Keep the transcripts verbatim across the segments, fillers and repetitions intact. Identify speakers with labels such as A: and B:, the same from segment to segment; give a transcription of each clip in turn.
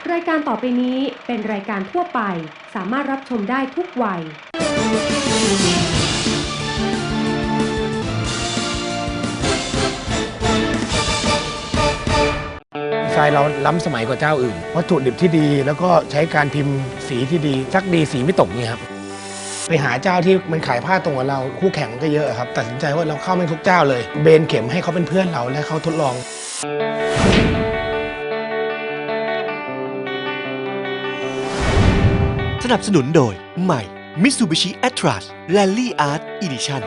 A: รายการต่อไปนี้เป็นรายการทั่วไปสามารถรับชมได้ทุกวัย
B: ดีไซน์เราล้ำสมัยกว่าเจ้าอื่นวัตถุดิบที่ดีแล้วก็ใช้การพิมพ์สีที่ดีซักดีสีไม่ตกเนี่ยครับไปหาเจ้าที่มันขายผ้าตรงกับเราคู่แข่งก็เยอะครับตัดสินใจว่าเราเข้าไม่ทุกเจ้าเลยเบนเข็มให้เขาเป็นเพื่อนเราและเขาทดลอง
C: สนับสนุนโดยใหม่ Mitsubishi Atlas Rally Art Edition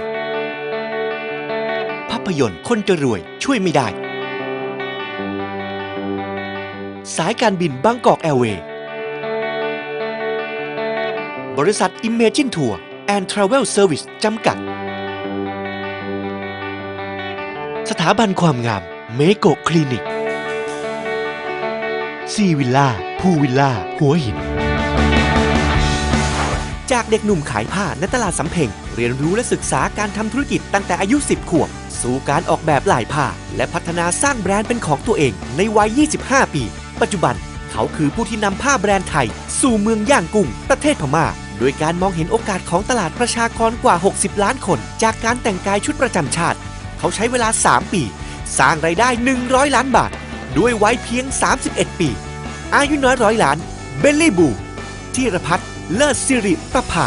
C: ภาพยนตร์คนจะรวยช่วยไม่ได้สายการบินบางกอกแอร์เวย์บริษัท Imagine Tour and Travel Service จำกัดสถาบันความงามเมโกคลินิกซีวิลล่าพูวิลล่าหัวหินจากเด็กหนุ่มขายผ้าในตลาดสำเพ็งเรียนรู้และศึกษาการทำธุรกิจตั้งแต่อายุสิบขวบสู่การออกแบบลายผ้าและพัฒนาสร้างแบรนด์เป็นของตัวเองในวัยยี่สิบห้าปีปัจจุบันเขาคือผู้ที่นำผ้าแบรนด์ไทยสู่เมืองย่างกุ้งประเทศพม่าโดยการมองเห็นโอกาสของตลาดประชากรกว่าหกสิบล้านคนจากการแต่งกายชุดประจำชาติเขาใช้เวลาสามปีสร้างรายได้หนึ่งร้อยล้านบาทด้วยวัยเพียงสามสิบเอ็ดปีอายุน้อยร้อยล้านเบลลี่บูธีรพัฒน์เลิศสิริประภา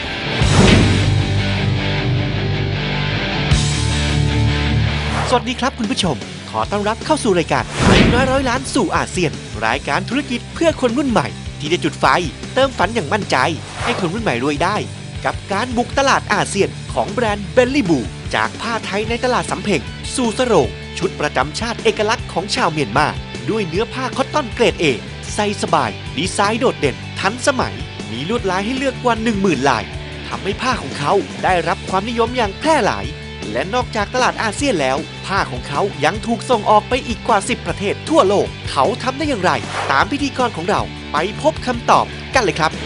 C: สวัสดีครับคุณผู้ชมขอต้อนรับเข้าสู่รายการอายุน้อยร้อยล้านสู่อาเซียนรายการธุรกิจเพื่อคนรุ่นใหม่ที่จะจุดไฟเติมฝันอย่างมั่นใจให้คนรุ่นใหม่รวยได้กับการบุกตลาดอาเซียนของแบรนด์เบลลี่บูจากผ้าไทยในตลาดสำเพ็งสู่สโรงชุดประจำชาติเอกลักษณ์ของชาวเมียนมาด้วยเนื้อผ้าคอตตอนเกรด A ใส่สบายดีไซน์โดดเด่นทันสมัยมีลวดลายให้เลือกกว่า หนึ่งหมื่น ลายทำให้ผ้าของเขาได้รับความนิยมอย่างแพร่หลายและนอกจากตลาดอาเซียนแล้วผ้าของเขายังถูกส่งออกไปอีกกว่าสิบประเทศทั่วโลกเขาทำได้อย่างไรตามพิธีกรของเราไปพบคำตอบกันเลยครับ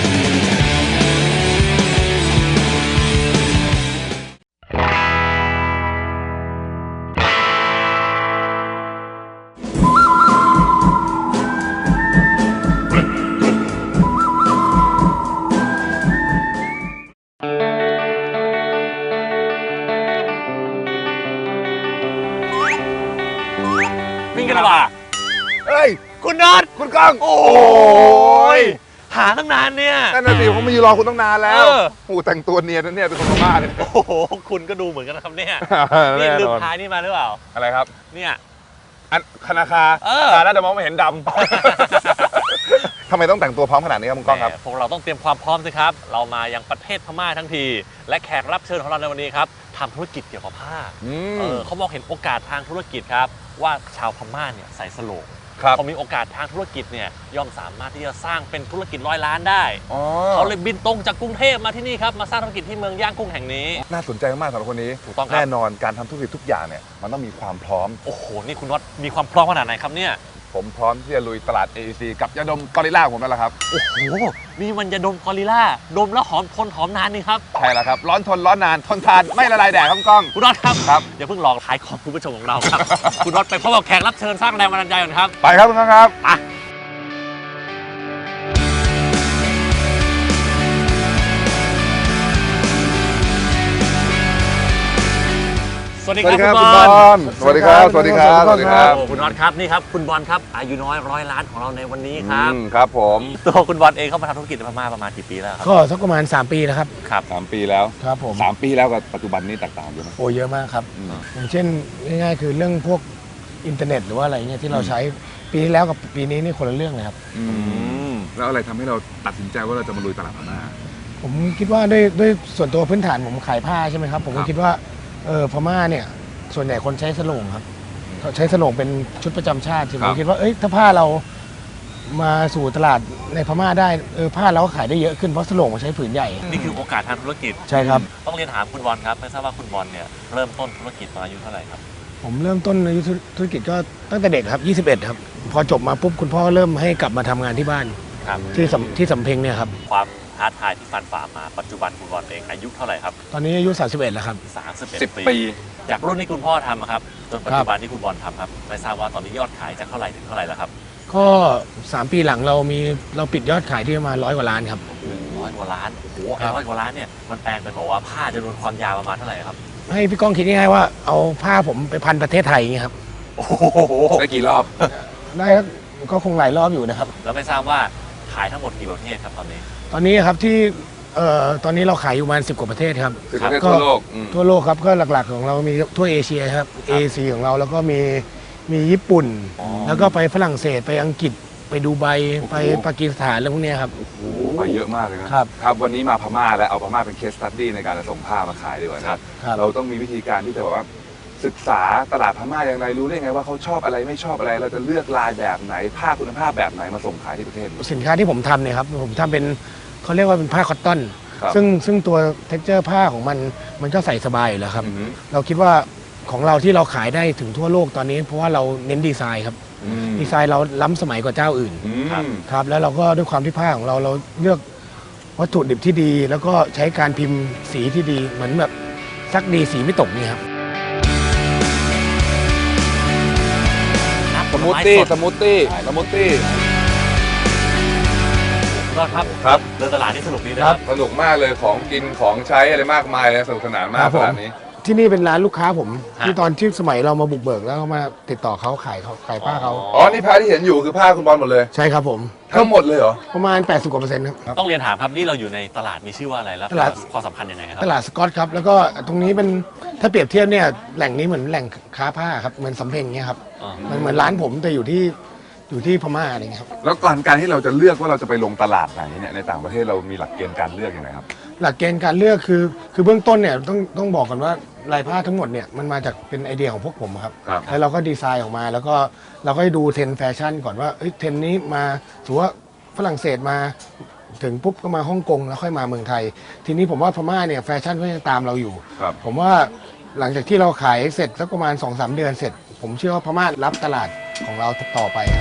D: วิ่งกันหรอเปล่า
E: เฮ้ย
D: คุณน็อต
E: คุณก้อง
D: โอ้ยหาตั้งนานเนี่ย
E: นั่นน่ะสิผมมายืนรอคุณตั้งนานแล้ว
D: เออ
E: โอ้แต่งตัวเนียนนะเนี่ยเป็นคนพม่าเนี่ย
D: โอ้โหคุณก็ดูเหมือนกันนะครับเนี่ยนี่ลืมท้ายนี่มาหรือเปล่า
E: อะไรครับ
D: เนี่ย
E: อันคณาคา
D: เออ
E: ตาแล้วแต่มองไม่เห็นดำ ทำไมต้องแต่งตัวพร้อมขนาดนี้ครับคุณก้องครับ
D: พวกเราต้องเตรียมความพร้อมสิครับเรามายังประเทศพม่าทั้งทีและแขกรับเชิญของเราในวันนี้ครับทำธุรกิจเกี่ยวกับผ้าเออเขามองเห็นโอกาสทางธุรกิจครับว่าชาวพม่าเนี่ยใส่สโลงพอมีโอกาสทางธุรกิจเนี่ยย่อมสามารถที่จะสร้างเป็นธุรกิจร้อยล้านได้เขาเลยบินตรงจากกรุงเทพมาที่นี่ครับมาสร้างธุรกิจที่เมืองย่างกุ้งแห่งนี้
E: น่าสนใจมากสำหรับคนนี้
D: ถูกต้องครับ
E: แน่นอนการทำธุรกิจทุกอย่างเนี่ยมันต้องมีความพร้อม
D: โอ้โหนี่คุณน็อตมีความพร้อมขนาดไหนครับเนี่ย
E: ผมพร้อมที่จะลุยตลาด เอ อี ซี กับยาดมกอริลล่าผมนั่นแหละครับ
D: โอ้โหนี่มันยาดมกอริลล่าดมแล้วหอมทนหอมนานนี่ครับ
E: ใช่แล้วครับร้อนทนร้อนนานทนทานไม่ละลายแดดครับกล้อง
D: คุณน็อตครับ
E: ครับ
D: อย่าเพิ่งหลอกขายของคุณผู้ชมของเราครับ คุณน็อตไปพบกับแขกรับเชิญสร้างแรงบันดาลใจก่อนครับ
E: ไปครับคุณก้องครับ
D: อ่ะสวัสดีครับคุณบอล
E: สวัสดีครับสวัสดีครับสวัสดีครับ
D: คุณน็อตครับนี่ครับคุณบอลครับอายุน้อยร้อยล้านของเราในวันนี้ครับ
E: ครับผม
D: ตัวคุณบอลเองเข้ามาทำธุรกิจในพม่าประมาณกี่ปีแล้วครับ
B: ก็สักประมาณสามปีแล้วครับ
D: ครับ
E: สามปีแล้ว
B: ครับผม
E: สามปีแล้วกับปัจจุบันนี้แตกต่างอยู่ไหม
B: โอ้เยอะมากครับอย่างเช่นง่ายๆคือเรื่องพวกอินเทอร์เน็ตหรือว่าอะไรเงี้ยที่เราใช้ปีที่แล้วกับปีนี้นี่คนละเรื่องเลยครับ
E: แล้วอะไรทำให้เราตัดสินใจว่าเราจะมาลุยตลาดพม่า
B: ผมคิดว่าด้วยด้วยส่วนตัวพื้นฐานผมขายผ้าใช่ไหมครับผมก็คิดว่าเออพม่าเนี่ยส่วนใหญ่คนใช้สโลงครับเขาใช้สโลงเป็นชุดประจำชาติผมคิดว่าเอ้ยถ้าผ้าเรามาสู่ตลาดในพม่าได้เออผ้าเราก็ขายได้เยอะขึ้นเพราะสโลงมันใช้ผืนใหญ่
D: นี่คือโอกาสทางธุรกิจ
B: ใช่ครับ
D: ต้องเรียนถามคุณบอลครับไม่ทราบว่าคุณบอลเนี่ยเริ่มต้นธุรกิจมาอายุเท่าไหร่ครับ
B: ผมเริ่มต้นอายุธุรกิจก็ตั้งแต่เด็กครับยี่สิบเอ็ดครับพอจบมาปุ๊บคุณพ่อเริ่มให้กลับมาทำงานที่บ้านที่ที่สำเพ็งเนี่ยครับ
D: ความท้าทายที่ฟันฝ่ามาปัจจุบันคุณบอลเองอายุเท่าไหร่ครับ
B: ตอนนี้อายุสามสิบเอ็ดแล้วครับ
D: สามสิบเอ็ด
E: สิบ
D: ปี
E: ปี
D: จากรุ่นที่คุณพ่อทำอะครับจนปัจจุบันที่คุณบอลทำครับไม่ทราบว่าตอนนี้ยอดขายจากเท่าไหร่ถึงเท่าไหร่แล้วครับ
B: ก็สามปีหลังเรามีเราปิดยอดขายที่ประมาณร้อยกว่าล้านครับ
D: ร้อยกว่าล้านโอ้โห
B: ครั
D: ไอ้
B: บ
D: ร้อยกว่าล้านเนี่ยมันแปลงเป็นบอกว่าผ้าจำนวนความยาวประมาณเท่าไหร่ครับ
B: ให้พี่ก้องคิดง่ายๆว่าเอาผ้าผมไปพันประเทศไทยอย่างเงี้ยครับ
D: โอ้โห
E: ได้กี่รอบ
B: ได้ก็คงหลายรอบอยู่นะครับ
D: แล้วไม่ทราบว่าขายทั้งหมดกี่ประเทศครับตอนนี้
B: ตอนนี้ครับที่เอ่อตอนนี้เราขายอยู่ประมาณสิบกว่าประเทศครับ
E: สิบประเทศ
B: ก็
E: ทั่วโลกอืม
B: ทั่วโลกครับก็หลักๆของเรามีทั่วเอเชียครับเอเชียของเราแล้วก็มีมีญี่ปุ่น แล้วก็ไปฝรั่งเศสไปอังกฤษไปดูไบไปปากีสถานแล้วพวกเนี้ยครับ
E: โอ้โหไปเยอะมากเลยนะครับ ครับวันนี้มาพม่าแล้วเอาพม่าเป็นเคสสตัดดี้ในการจะส่งผ้ามาขายดีกว่านะครับ
B: ครับ
E: เราต้องมีวิธีการที่จะแบบว่าศึกษาตลาดพม่าอย่างไรรู้ได้ไงว่าเขาชอบอะไรไม่ชอบอะไร เราจะเลือกลายแบบไหนผ้าคุณภาพแบบไหนมาส่งขายที่ประเทศ
B: สินค้าที่ผมทำเนี่ยครับผมทำเป็นเขาเรียกว่าเป็นผ้าคอตตอน
E: ครับ
B: ซึ่งซึ่งตัวเท็กเจอร์ผ้าของมันมันก็ใส่สบายอยู่แล้วครับ
E: อือฮึ
B: เราคิดว่าของเราที่เราขายได้ถึงทั่วโลกตอนนี้ เพราะว่าเราเน้นดีไซน์ครับ
E: อืม
B: ดีไซน์เราล้ำสมัยกว่าเจ้าอื่น
E: อืม
B: ครับแล้วเราก็ด้วยความที่ผ้าของเราเราเลือกวัตถุดิบที่ดี แล้วก็ใช้การพิมพ์สีที่ดีเหมือนแบบซักดีสีไม่ตกนี่ครับ
D: น้ำผ
E: ส
D: ล
E: มูท
D: ไม้
E: ตี้
D: สด
E: สมูทตี้สมูทตี้
D: ยอดครับ
E: ครับ
D: เดินตลาดนี่สนุกดีนะครับ
E: สนุกมากเลยของกินของใช้อะไรมากมายเลยสนุกสนานมา
B: ครั
E: ก
B: บผม
E: ร้านนี้
B: ที่นี่เป็นร้านลูกค้าผม
D: ฮะ
B: ที่ตอนที่สมัยเรามาบุกเบิกแล้วก็มาติดต่อเขาขายเขาขายผ้าเขา
E: อ๋อนี่ผ้าที่เห็นอยู่คือผ้าคุณบอลหมดเลย
B: ใช่ครับผม
E: ทั้งหมดเลยเหรอ
B: ประมาณ แปดสิบกว่าเปอร์เซ็นต์ครับ
D: ต้องเรียนถามครับนี่เราอยู่ในตลาดมีชื่อว่าอะไรแล้ว
B: ตลาด
D: ความสำคัญยังไงครับ
B: ตลาดสกอตครับแล้วก็ตรงนี้เป็นถ้าเปรียบเทียบเนี่ยแหล่งนี้เหมือนแหล่งค้าผ้าครับเหมือนสำเพ็งเงี้ยครับ
D: อ๋อ
B: มันเหมือนร้านผมแต่อยู่ที่อยู่ที่พม่าอะไรเงี้ยครับ
E: แล้วก่อนการที่เราจะเลือกว่าเราจะไปลงตลาดไหนเนี่ยในต่างประเทศเรามีหลักเกณฑ์การเลือกยังไงครับ
B: หลักเกณฑ์การเลือกคือคือเบื้องต้นเนี่ยต้องต้องบอกก่อนว่าลายผ้าทั้งหมดเนี่ยมันมาจากเป็นไอเดียของพวกผมครับ
E: ครับ
B: แล้วเราก็ดีไซน์ออกมาแล้วก็เราก็ดูเทรนด์แฟชั่นก่อนว่าเอ้ยเทรนด์นี้มาถือว่าฝรั่งเศสมาถึงปุ๊บก็มาฮ่องกงแล้วค่อยมาเมืองไทย ทีนี้ผมว่าพม่าเนี่ยแฟชั่นก็ยังตามเราอยู่
E: ครับ
B: ผมว่าหลังจากที่เราขายเสร็จสักประมาณ สองสาม เดือนเสร็จ ผมเชื่อว่าพม่ารับตลาดของเราต่อไปครับ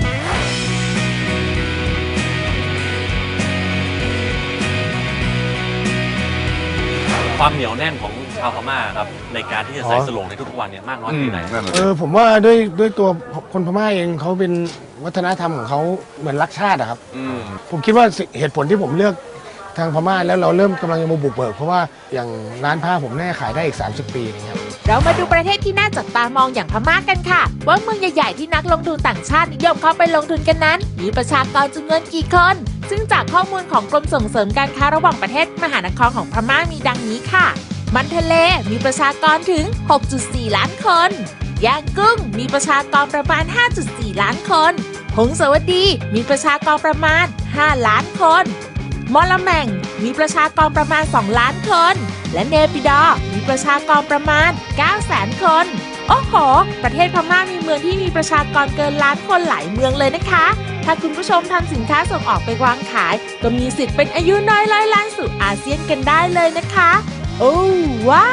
D: ความเหนียวแน่นของชาวพม่าครับในการที่จะใส่
B: อ๋อ
D: สโลงในทุกๆวันเนี่ยมากน้อย
E: อืม
D: แค่ไหน
E: นั่นแหละ
B: เออผมว่าด้วยด้วยตัวคนพม่าเองเขาเป็นวัฒนธรรมของเขาเหมือนรักชาติอะครับ
E: อืม
B: ผมคิดว่าสิเหตุผลที่ผมเลือกทางพม่าแล้วเราเริ่มกำลังจะมาบุกเบิกเพราะว่าอย่างร้านผ้าผมแน่าขายได้อีก สามสิบ ปีอย่างเงี้ยครับ
F: เรามาดูประเทศที่น่าจับตามองอย่างพม่ากกันค่ะ ว่าเมืองใหญ่ๆที่นักลงทุนต่างชาตินิยมเข้าไปลงทุนกันนั้น มีประชากรจำนวนกี่คน ซึ่งจากข้อมูลของกรมส่งเสริมการค้าระหว่างประเทศมหานครของพม่ามีดังนี้ค่ะ มันทะเลมีประชากรถึง หกจุดสี่ ล้านคนย่างกุ้งมีประชากรประมาณ ห้าจุดสี่ ล้านคนหงสาวดีมีประชากรประมาณ ห้า ล้านคนมอลแมงมีประชากรประมาณ สอง ล้านคน และเนปิดอร์มีประชากรประมาณ เก้าแสน คน โอ้โห ประเทศพม่ามีเมืองที่มีประชากรเกินล้านคนหลายเมืองเลยนะคะ ถ้าคุณผู้ชมทำสินค้าส่งออกไปวางขาย ก็มีสิทธิ์เป็นอายุน้อยร้อยล้านสู่อาเซียนกันได้เลยนะคะ โอ้ว้าว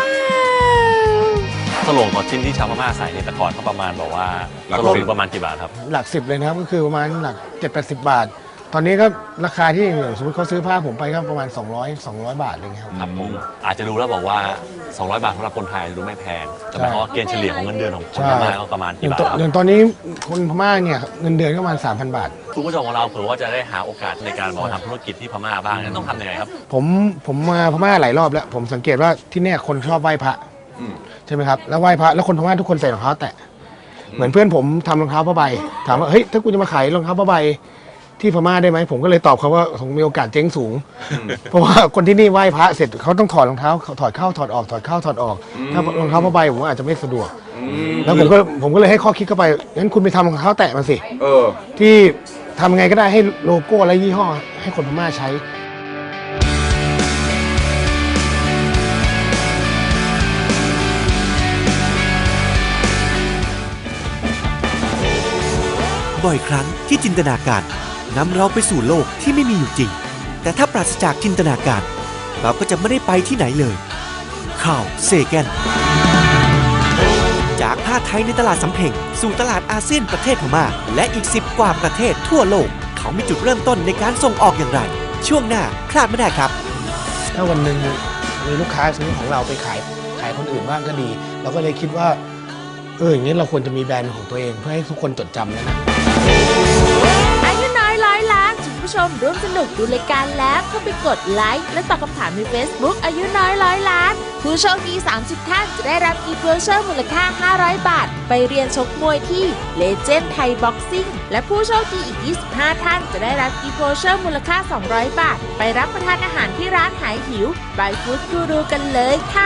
D: สโลงต่อชิ้นที่ชาวพม่าใส่ในยแต่ก่อนเขาประมาณบอกว่า
E: หลัก
D: สโลง
E: สิบ
D: ประมาณกี่บาทครับ
B: หลักสิบเลยนะครับก็คือประมาณหลัก เจ็ดแปดสิบ บาท ตอนนี้ก็ราคาที่อย่างสมมติเขาซื้อผ้าผมไปก็ประมาณ สองร้อย สองร้อย บาทอะไรเงี้ยครับ
D: ครับผมอาจจะดูแล้วบอกว่า สองร้อย บาทสำหรับคนไทยอาจจะดูไม่แพงแต่หมายความว่าเกณฑ์เฉลี่ยของเงินเดือนของคน
B: ใช่
D: พม่าก็ประมาณ
B: อ
D: กี่
B: ย่าง
D: บาท
B: ต
D: ครับ
B: อย่างตอนนี้คนพม่าเนี่ยเงินเดือนก็ประมาณ สามพัน บาท
D: คุณผู้ชมของเราเผื่อว่าจะได้หาโอกาสในการมาทำธุรกิจที่พม่าบ้างนั้นต้องทำยังไงครับ
B: ผมผมมาพม่าหลายรอบแล้ว ผมสังเกตว่าที่เนี่ยคนชอบไหว้พระ
E: อืม
B: ใช่ไหมครับแล้วไหว้พระแล้วคนพม่าทุกคนใส่รองเท้าแตะเหมือนเพื่อนผมทำรองเท้าผ้าใบถามว่าเฮ้ยถ้ากูจะมาขายรองเท้าผ้าใบที่พม่าได้ไหมผมก็เลยตอบเขาว่าผมมีโอกาสเจ๊งสูง เพราะว่าคนที่นี่ไหว้พระเสร็จเขาต้องถอดรองเท้าถอดเข้าถอดออกถอดเข้าถอดออก ถ้ารองเท้าผ้าใบผมว่าอาจจะไม่สะดวก
E: อืม
B: แล้วผมก็ผมก็เลยให้ข้อคิดเข้าไปงั้นคุณไปทำรองเท้าแตะมาสิ
E: เออ
B: ที่ทำไงก็ได้ให้โลโก้และยี่ห้อให้คนพม่าใช้
C: บ่อยครั้งที่จินตนาการนำเราไปสู่โลกที่ไม่มีอยู่จริง แต่ถ้าปราศจากจินตนาการ เราก็จะไม่ได้ไปที่ไหนเลย ข่าวเซแกนจากผ้าไทยในตลาดสำเพ็งสู่ตลาดอาเซียนประเทศพม่าและอีกสิบกว่าประเทศทั่วโลก เขามีจุดเริ่มต้นในการส่งออกอย่างไรช่วงหน้าพลาดไม่ได้ครับ
B: ถ้าวันหนึ่งมีลูกค้าซื้อของเราไปขายขายคนอื่นบ้างก็ดี เราก็เลยคิดว่าเอออย่างนี้เราควรจะมีแบรนด์ของตัวเองเพื่อให้ทุกคนจดจำแล้วนะ
F: อายุน้อยร้อยล้านคุณผู้ชมร่วมสนุกดูรายการแล้วเข้าไปกดไลค์และตอบคำถามใน Facebook อายุน้อยร้อยล้านผู้โชคดีสามสิบท่านจะได้รับอีเวอร์เชอร์มูลค่าห้าร้อยบาทไปเรียนชกมวยที่ Legend Thai Boxing และผู้โชคดีอีกยี่สิบห้าท่านจะได้รับอีเวอร์เชอร์มูลค่าสองร้อยบาทไปรับประทานอาหารที่ร้านหายหิว by Food Guru กันเลยค่ะ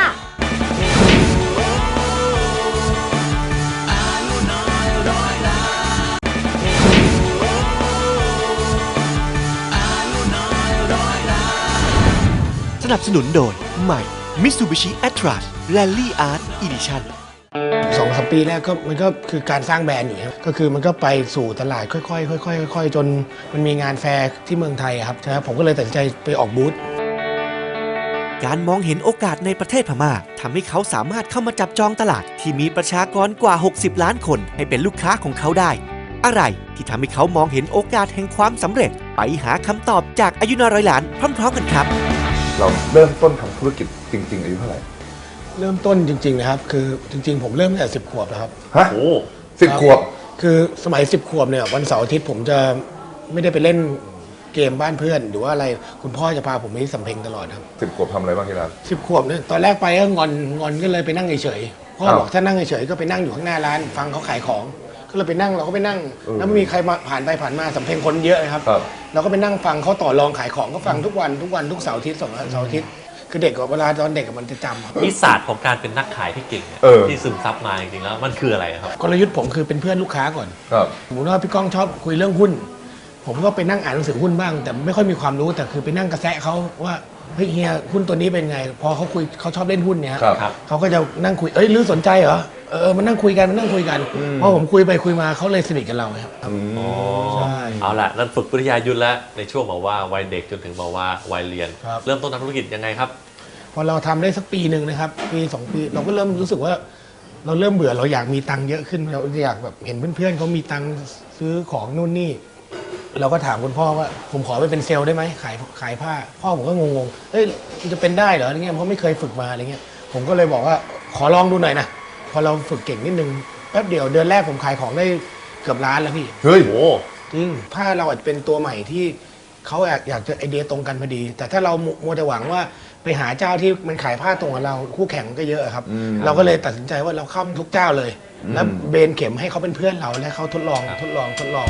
C: สนับสนุนโดยใหม่ Mitsubishi Atlas Rally Art Edition
B: สองสามปีแรกก็มันก็คือการสร้างแบรนด์อยู่ครับก็คือมันก็ไปสู่ตลาดค่อยๆค่อยๆค่อยๆจนมันมีงานแฟร์ที่เมืองไทยครับใช่ครับผมก็เลยตัดสินใจไปออกบูธ
C: การมองเห็นโอกาสในประเทศพม่าทำให้เขาสามารถเข้ามาจับจองตลาดที่มีประชากรกว่าหกสิบล้านคนให้เป็นลูกค้าของเขาได้ อะไรที่ทำให้เขามองเห็นโอกาสแห่งความสำเร็จไปหาคำตอบจากอายุน้อยร้อยล้านพร้อมๆกันครับ
E: เราเริ่มต้นทำธุรกิจจริง ๆ อายุเท่าไหร่
B: เริ่มต้นจริงๆนะครับคือจริงๆผมเริ่มตั้งแต่สิบขวบนะครับ
E: ฮะ
D: โอ้
E: สิบขวบ
B: คือสมัยสิบขวบเนี่ยวันเสาร์อาทิตย์ผมจะไม่ได้ไปเล่นเกมบ้านเพื่อนหรือว่าอะไรคุณพ่อจะพาผมไปที่สำเพ็งตลอดครับ
E: สิบขวบทำอะไรบ้างที่ร้าน
B: สิบขวบเนี่ยตอนแรกไปก็งอนงอนก็เลยไปนั่งเฉยๆพ่อ
E: อ้าว
B: บอกถ้านั่งเฉยๆก็ไปนั่งอยู่ข้างหน้าร้านฟังเขาขายของก็เลยไปนั่งเราก็ไปนั่ง
E: เออ
B: แล้วไม่มีใครมาผ่านไปผ่านมาสำเพ็งคนเยอะนะครับ
E: ครับ
B: เราก็ไปนั่งฟังเขาต่อรองขายของก็ฟังทุกวันทุกวันทุกเสาร์อาทิตย์สองเสาร์อาทิตย์คือเด็กกับเวลาตอนเด็กมันจะจำครับ
D: นิสัยของการเป็นนักขายที่เก่งเนี่ย
E: เออ
D: ที่ซึมซับมาจริงๆแล้วมันคืออะไรครับ
B: กลยุทธ์ผมคือเป็นเพื่อนลูกค้าก่อน
E: ครับ
B: สมมติว่าพี่ก้องชอบคุยเรื่องหุ้น ผมก็ไปนั่งอ่านหนังสือหุ้นบ้าง แต่ไม่ค่อยมีความรู้แต่คือไปนั่งกระแซะเขาว่าเฮ้ยเฮียหุ้นตัวนี้เป็นไง พอเขาคุยเขาชอบเล่นหุ้นเนี่ย
E: ครับ
D: ครับ
B: เขาก็จะนั่งคุยเอ้ยหรือสนใจเหรอเออมันนั่งคุยกันมันนั่งคุยกันพอผมคุยไปคุยมาเขาเลยสนิทกับเราครับ
E: อืม
B: ใช่
D: เอาล่ะนั่นฝึกวิทยายุทธแล้วในช่วงบอกว่าวัยเด็กจนถึงบอกว่าวัยเรียน
B: ครับ
D: เริ่มต้นทำธุรกิจยังไงครับ
B: พอเราทำได้สักปีหนึ่งนะครับปีสองปีเราก็เริ่มรู้สึกว่า เราเริ่มเบื่อเราอยากมีตังค์เยอะขึ้นเราอยากแบบเห็นเพื่อนๆเขามีตังค์ซื้อของนู่นนี่ เราก็ถามคุณพ่อว่าผมขอไปเป็นเซลล์ได้ไหมขายขายผ้า พ่อผมก็งงๆเฮ้ยมันจะเป็นได้เหรออะไรเงี้ยเพราะไม่เคยฝึกมาอะไรเงี้ยผมก็เลยบอกว่าขอลองดูหน่อยนะพอเราฝึกเก่งนิดนึงแป๊บเดียวเดือนแรกผมขายของได้เกือบล้านแล้วพี่
E: เฮ้ย
D: โอ้
B: จริงผ้าเราอาจจะเป็นตัวใหม่ที่เขาอยากอยากจะไอเดียตรงกันพอดี แต่ถ้าเรามัวแต่หวังว่าไปหาเจ้าที่มันขายผ้าตรงกับเราคู่แข่งมันก็เยอะครับ
E: อืม
B: เราก็เลยตัดสินใจว่าเราเข้าทุกเจ้าเลย
E: อืม
B: แล้วเบนเข็มให้เขาเป็นเพื่อนเราและเขาทดลองทดลองทดลอง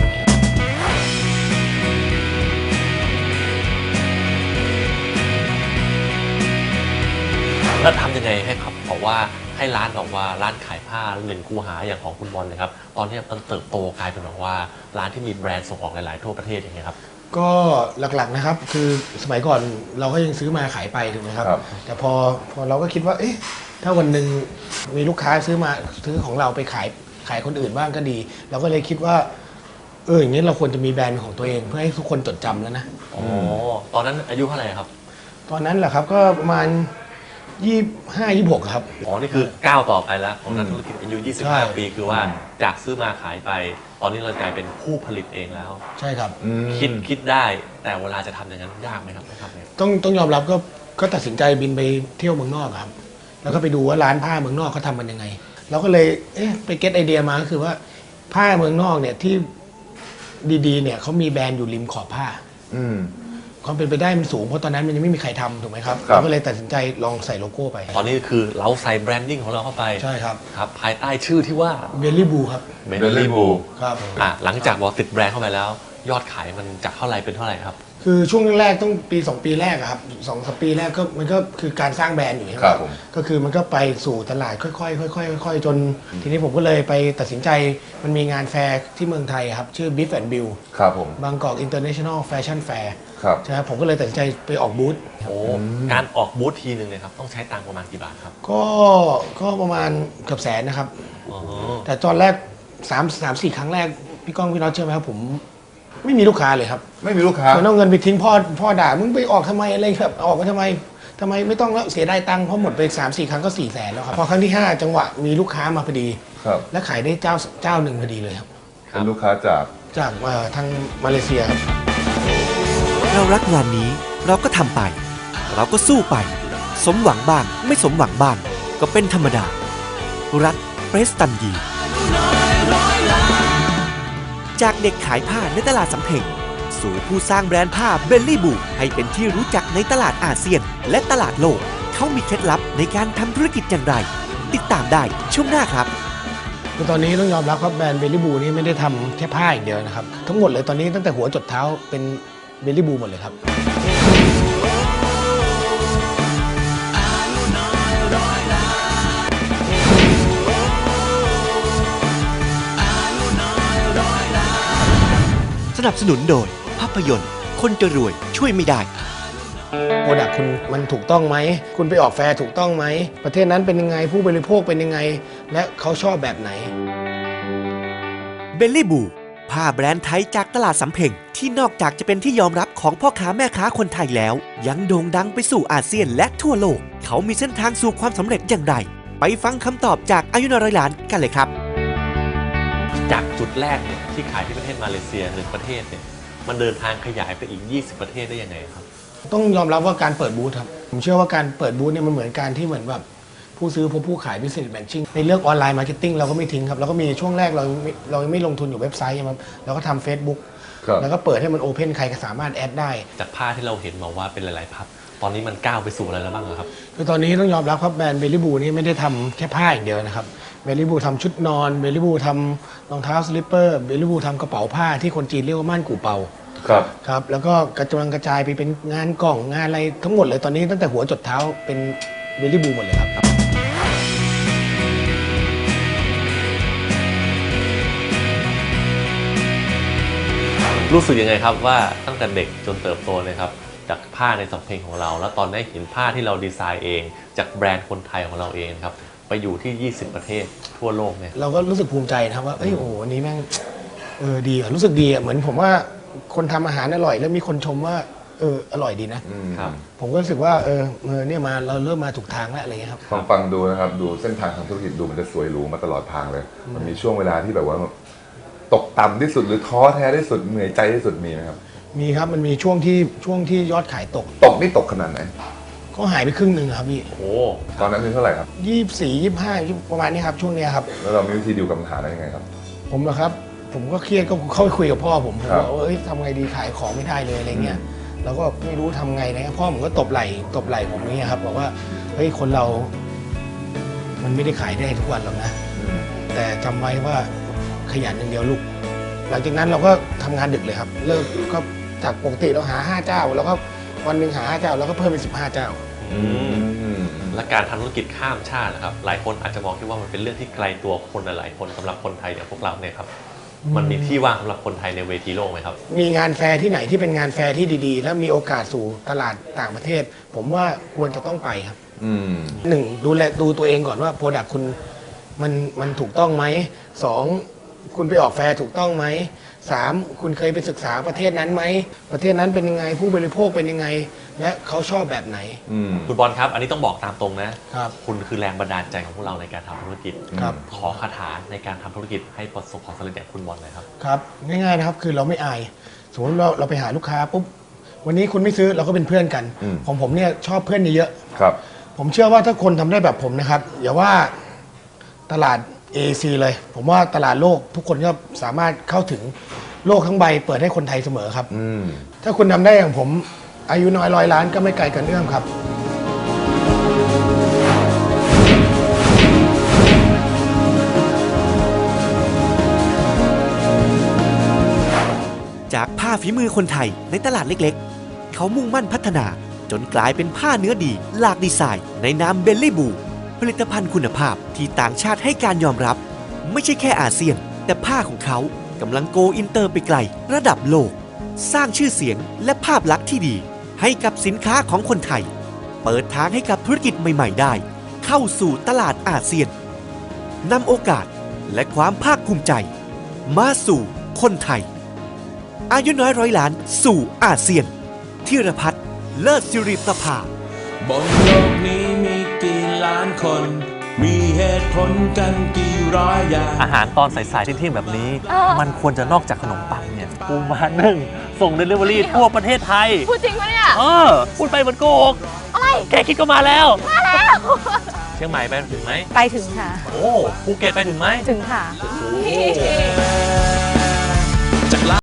D: แล้วทำยังไงให้ครับบอกว่าให้ร้านบอกว่าร้านขายผ้าหนึ่งคูหาอย่างของคุณบอลเลยครับตอนนี้มันเติบโตกลายเป็นแบบว่าร้านที่มีแบรนด์ส่งออกหลายๆทั่วประเทศอย่างเงี้ยครับ
B: ก็หลักๆนะครับคือสมัยก่อนเราก็ยังซื้อมาขายไปถูกไหมครับ
E: ครับ
B: แต่พอพอเราก็คิดว่าเอ๊ะถ้าวันหนึ่งมีลูกค้าซื้อมาซื้อของเราไปขายขายคนอื่นบ้างก็ดี เราก็เลยคิดว่าเอออย่างนี้เราควรจะมีแบรนด์ของตัวเองเพื่อให้ทุกคนจดจำแล้วนะ
D: อ๋อตอนนั้นอายุเท่าไหร่ครับ
B: ตอนนั้นแหละครับก็ประมาณยี่ห้ายี่หกครับ
D: อ๋อนี่คือก้าวต่อไปแล้วของนักธุรกิจอายุ
B: ใช่
D: ยี่สิบห้า ปีคือว่าจากซื้อมาขายไป ตอนนี้เรากลายเป็นผู้ผลิตเองแล้ว
B: ใช่ครับ
E: อืม
D: คิดคิดได้แต่เวลาจะทำอย่างนั้นยากไหมครับไม่ครับเนี่ย
B: ต้องต้องยอมรับก็ก็ตัดสินใจบินไปเที่ยวเมืองนอกครับ แล้วก็ไปดูว่าร้านผ้าเมืองนอกเขาทำมันยังไง เราก็เลยเอ๊ะไปเก็ตไอเดียมาก็คือว่าผ้าเมืองนอกเนี่ยที่ดีๆเนี่ยเขามีแบรนด์อยู่ริมขอบผ้า
E: อืม
B: ความเป็นไปได้มันสูงเพราะตอนนั้นมันยังไม่มีใครทำถูกไหมครับ
E: ครับ
B: เราก็เลยตัดสินใจลองใส่โลโก้ไป
D: ตอนนี้คือเราใส่แบรนดิ้งของเราเข้าไป
B: ใช่ครับ
D: ครับภายใต้ชื่อที่ว่า
B: เบลลี่บูครับ
D: เบล
E: Belly
D: ลี่บู
E: Blue
B: ครับ
D: อ่ะหลังจากบอกติดแบรนด์เข้าไปแล้ว ยอดขายมันจากเท่าไหร่เป็นเท่าไหร่ครับ
B: คือช่วงแรกๆต้องปีสองปีแรกอะครับสองสามปีแรกก็มันก็คือการสร้างแบรนด์อยู่ใช่ไหม
E: ครับผม
B: ก็คือมันก็ไปสู่ตลาดค่อยๆค่อยๆค่อยๆจน ทีนี้ผมก็เลยไปตัดสินใจมันมีงานแฟร์ที่เมืองไทยครับชื่อ Biff and Bill
E: ครับผม
B: บางกอก International Fashion Fair
E: ครับ
B: ใช่ครับผมก็เลยตัดสินใจไปออกบูธ
D: โอ้การออกบูธทีหนึ่งเลยครับต้องใช้ตังค์ประมาณกี่บาทครับ
B: ก็ก็ประมาณเกือบแสนนะครับ
D: อ๋อ
B: แต่ตอนแรกสามสามสี่ครั้งแรกพี่ก้องพี่น็อตเชื่อไหมครับผมไม่มีลูกค้าเลยครับ
E: ไม่มีลูกค้า
B: มันเอาเงินไปทิ้งพ่อพ่อด่ามึงไปออกทำไมอะไรแบบออกมาทำไมทำไมไม่ต้องแล้วเสียได้ตังค์เพราะหมดไปสามสี่ครั้งก็สี่แสนแล้วครับพอครั้งที่ห้าจังหวะมีลูกค้ามาพอดี
E: ครับ
B: และขายได้เจ้าเจ้าหนึ่งพอดีเลยครับ
E: เป็นลูกค้าจาก
B: จากเอ่อทางมาเลเซียครับ
C: เรารักงานนี้เราก็ทำไป เราก็สู้ไป สมหวังบ้างไม่สมหวังบ้างก็เป็นธรรมดา รัฐเปรสตันยีจากเด็กขายผ้าในตลาดสำเพ็งสู่ผู้สร้างแบรนด์ผ้าเบลลี่บูให้เป็นที่รู้จักในตลาดอาเซียนและตลาดโลกเขามีเคล็ดลับในการทำธุรกิจอย่างไร ติดตามได้ช่วงหน้าครับ
B: คือตอนนี้ต้องยอมรับครับแบรนด์เบลลี่บูนี่ไม่ได้ทำแค่ผ้าอย่างเดียวนะครับทั้งหมดเลยตอนนี้ตั้งแต่หัวจดเท้าเป็นเบลลี่บูหมดเลยครับ
C: สนับสนุนโดยภาพยนตร์คนจะรวยช่วยไม่ได้
B: โปรดักต์คุณมันถูกต้องไหมคุณไปออกแฟร์ถูกต้องไหมประเทศนั้นเป็นยังไงผู้บริโภคเป็นยังไงและเขาชอบแบบไหน
C: เบลลี่บูผ้าแบรนด์ไทยจากตลาดสำเพ็งที่นอกจากจะเป็นที่ยอมรับของพ่อค้าแม่ค้าคนไทยแล้ว ยังโด่งดังไปสู่อาเซียนและทั่วโลก เขามีเส้นทางสู่ความสำเร็จอย่างไร ไปฟังคำตอบจากอายุนร้อยล้านกันเลยครับ
D: จากจุดแรกเนี่ยที่ขายที่ประเทศมาเลเซียหนึ่งประเทศเนี่ยมันเดินทางขยายไปอีกยี่สิบประเทศได้ยังไงครับ
B: ต้องยอมรับว่าการเปิดบูธครับผมเชื่อว่าการเปิดบูธเนี่ยมันเหมือนการที่เหมือนแบบผู้ซื้อพบผู้ขาย business matching ในเรื่องออนไลน์มาร์เก็ตติ้งเราก็ไม่ทิ้งครับเราก็มีช่วงแรกเราไม่เราไม่ลงทุนอยู่เว็บไซต์ครับเราก็ทำ Facebook
E: ครับ
B: แล้วก็เปิดให้มันโอเพนใครก็สามารถแอดได้
D: จากผ้าที่เราเห็นมาว่าเป็นหลายๆพับตอนนี้มันก้าวไปสู่อะไรแล้วบ้างอะครับ
B: คือตอนนี้ต้องยอมรับครับแบรนด์เบลลี่บูนี่ไม่ได้ทำแค่ผ้าอย่างเดียวนะครับเบลลี่บูทำชุดนอนเบลลี่บูทำรองเท้าสลิปเปอร์เบลลี่บูทำกระเป๋าผ้าที่คนจีนเรียกว่าม่านกู่เปา
E: ครับ
B: ครับแล้วก็กระจายกระจายไปเป็นงานกล่องงานอะไรทั้งหมดเลยตอนนี้ตั้งแต่หัวจดเท้าเป็นเบลลี่บูหมดเลยครับ
D: รู้สึกยังไงครับว่าตั้งแต่เด็กจนเติบโตเลยครับจากผ้าในสำเพ็งของเรา แล้วตอนได้เห็นผ้าที่เราดีไซน์เอง จากแบรนด์คนไทยของเราเองครับไปอยู่ที่ยี่สิบประเทศทั่วโลกเนี่ย
B: เราก็รู้สึกภูมิใจนะครับว่าเอ้ยโอ้โหอันนี้แม่งเออดีอะรู้สึกดีอะเหมือนผมว่าคนทำอาหารอร่อยแล้วมีคนชมว่าเอออร่อยดีนะ
D: ครับ
B: ผมก็รู้สึกว่าเออเออเนี่ยมาเราเริ่มมาถูกทางแล้วอะไรเงี้ยครับ
E: ฟังฟังดูนะครับดูเส้นทางทางธุรกิจดูมันจะสวยหรูมาตลอดทางเลย มันมีช่วงเวลาที่แบบว่าตกต่ำที่สุดหรือท้อแท้ที่สุดเหนื่อยใจที่สุดมีไหมครับ
B: มีครับมันมีช่วงที่ช่วงที่ยอดขายตก
E: ตกนี่ตกขนาดไหน
B: ก็หายไปครึ่งหนึ่งครับพี่
D: โอ้
E: ตอนนั้นคือเท่าไหร่ครับ
B: ยี่สิบสี่ยี่สิบห้าประมาณนี้ครับช่วงเนี้ยครับ
E: แล้วเรามีวิธีดิวกับปัญหาได้ยังไงครับ
B: ผมเหรอครับ ผมก็เครียดก็เข้าไปคุยกับพ่อผมผม
E: ครับ
B: บอกว่าเอ้ยทำไงดีขายของไม่ได้เลยอะไรเงี้ยแล้วก็ไม่รู้ทำไงนะพ่อผมก็ตบไหล่ตบไหล่ผมอย่างเงี้ยครับบอกว่าเฮ้ยคนเรา มันไม่ได้ขายได้ทุกวันหรอกนะ แต่จำไว้ว่าขยันอย่างเดียวลูก หลังจากนั้นเราก็ทำงานดึกเลยครับ เลิกก็จากปกติเราหาห้าเจ้า แล้วก็วันหนึ่งหาห้าเจ้าแล้วก็เพิ่มเป็นสิบห้าเจ้า
D: อืมและการทำธุรกิจข้ามชาตินะครับหลายคนอาจจะมองที่ว่ามันเป็นเรื่องที่ไกลตัวคนหลายๆคนสำหรับคนไทยอย่างพวกเราเนี่ยครับมันมีที่ว่างสำหรับคนไทยในเวทีโลกไหมครับ
B: มีงานแฟร์ที่ไหนที่เป็นงานแฟร์ที่ดีๆ แล้วมีโอกาสสู่ตลาดต่างประเทศ ผมว่าควรจะต้องไปครับ
E: อืม
B: หนึ่งดูแลดูตัวเองก่อนว่าโปรดักต์คุณมันมันถูกต้องไหมสองคุณไปออกแฟร์ถูกต้องไหมสามคุณเคยไปศึกษาประเทศนั้นไหมประเทศนั้นเป็นยังไงผู้บริโภคเป็นยังไง และเขาชอบแบบไหน
E: อืม
D: คุณบอลครับ อันนี้ต้องบอกตามตรงนะครับ คุณคือแรงบันดาลใจของพวกเราในการทำธุรกิจ
B: ครับ
D: ขอคาถาในการทำธุรกิจให้ประสบความสำเร็จอย่างคุณบอลหน่อยครับ
B: ครับง่ายๆนะครับคือเราไม่อายสมมติเราเราไปหาลูกค้าปุ๊บวันนี้คุณไม่ซื้อเราก็เป็นเพื่อนกัน
E: อืม
B: ของผมเนี่ยชอบเพื่อนเยอะ
E: ครับ
B: ผมเชื่อว่าถ้าคนทำได้แบบผมนะครับอย่าว่าตลาด เอ ซี เลย ผมว่าตลาดโลกทุกคนก็สามารถเข้าถึงโลกทั้งใบเปิดให้คนไทยเสมอครับ
E: อืม
B: ถ้าคุณทำได้อย่างผมอายุน้อยร้อยล้านก็ไม่ไกลกันเอื้อมครับ
C: จากผ้าฝีมือคนไทยในตลาดเล็กๆ เขามุ่งมั่นพัฒนาจนกลายเป็นผ้าเนื้อดีหลากดีไซน์ในนามเบลลี่บูผลิตภัณฑ์คุณภาพที่ต่างชาติให้การยอมรับ ไม่ใช่แค่อาเซียน แต่ผ้าของเขากำลังโกอินเตอร์ไปไกลระดับโลก สร้างชื่อเสียงและภาพลักษณ์ที่ดีให้กับสินค้าของคนไทย เปิดทางให้กับธุรกิจใหม่ๆได้ เข้าสู่ตลาดอาเซียนนำโอกาสและความภาคภูมิใจ มาสู่คนไทย อายุน้อยร้อยล้านสู่อาเซียนธีรพัฒน์เลิศสิริประภา
G: บนโลกนี้มีกี่ล้านคน มีเหตุผลกันกี่ร้อยอย่าง
D: อาหารตอนสายๆที่เที่ยงๆแบบนี้ มันควรจะนอกจากขนมปังเนี่ยปูม้านึ่งส่ง Delivery ทั่วประเทศไทย
H: พูดจริงปะเนี่ย
D: เออพูดไปเหมือนโกหก
H: อะไร
D: แค่คิดก็มาแล้ว
H: มาแล้ว
D: เชียงใหม่ไปถึงไหม
H: ไปถึงค่ะ
D: โอ้ภูเก็ตไปถึงไหม
H: ถึงค่ะ
D: โอ้